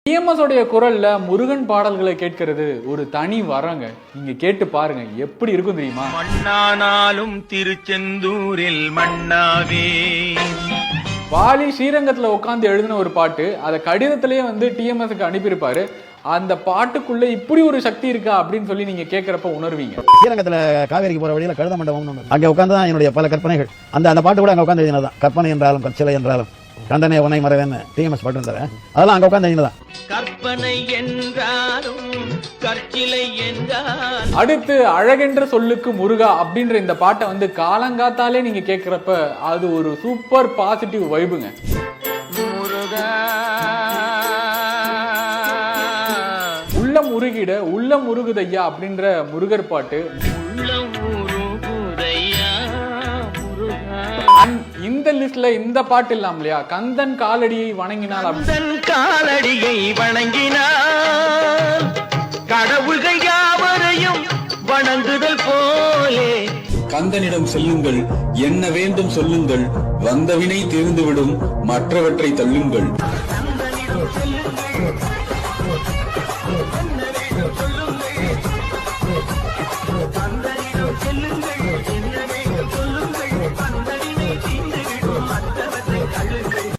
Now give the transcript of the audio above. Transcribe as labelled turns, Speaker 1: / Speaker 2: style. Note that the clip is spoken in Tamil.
Speaker 1: டிஎம்எஸ் உடைய குரல்ல முருகன் பாடல்களை கேட்கிறது ஒரு தனி வரங்க. நீங்க கேட்டு பாருங்க, எப்படி இருக்கும் தெரியுமா?
Speaker 2: மண்ணானாலும் திருச்செந்தூரில் மண்ணாவே.
Speaker 1: வாலி ஸ்ரீரங்கத்துல உட்காந்து எழுதின ஒரு பாட்டு, அதை கடிதத்திலேயே டிஎம்எஸ்க்கு அனுப்பியிருப்பாரு. அந்த பாட்டுக்குள்ள இப்படி ஒரு சக்தி இருக்கா அப்படின்னு சொல்லி நீங்க கேட்கறப்ப உணர்வீங்க.
Speaker 3: ஸ்ரீரங்கத்துல காவேரிக்கு போற வழியில கழுத மண்டபம் அங்க உட்காந்து தான் என்னுடைய பல கற்பனைகள். அந்த பாட்டு கூட அங்க உட்காந்து எழுதினதான். கற்பனை என்றாலும் கற்சிலை என்றாலும் கண்டனே உனை மறவேன்னு டிஎம்எஸ் பாட்டு இருந்தாரு. அதெல்லாம் அங்க உட்காந்து எழுதினதான்.
Speaker 2: கற்பனை என்றாலும் கற்சிலை என்றாலும். அடுத்து
Speaker 1: அழகென்ற சொல்லுக்கு முருகா அப்படின்ற இந்த பாட்டை காலங்காத்தாலே நீங்க கேட்கிறப்ப அது ஒரு சூப்பர் பாசிட்டிவ் வைபுங்க.
Speaker 2: முருகா
Speaker 1: உள்ளம் உருகிட உள்ளம் உருகுதையா அப்படின்ற முருகர் பாட்டு. இந்த லிஸ்ட்ல இந்த பாட்டு இல்லாம இல்லையா, கந்தன் காலடியை வணங்கினால்.
Speaker 2: கந்தன் காலடியை வணங்கினால் கடவுள்கள் யாவரையும் வணங்குதல் போலே.
Speaker 4: கந்தனிடம் செல்லுங்கள், என்ன வேண்டும் சொல்லுங்கள், வந்தவினை தீர்ந்துவிடும், மற்றவற்றை தள்ளுங்கள்.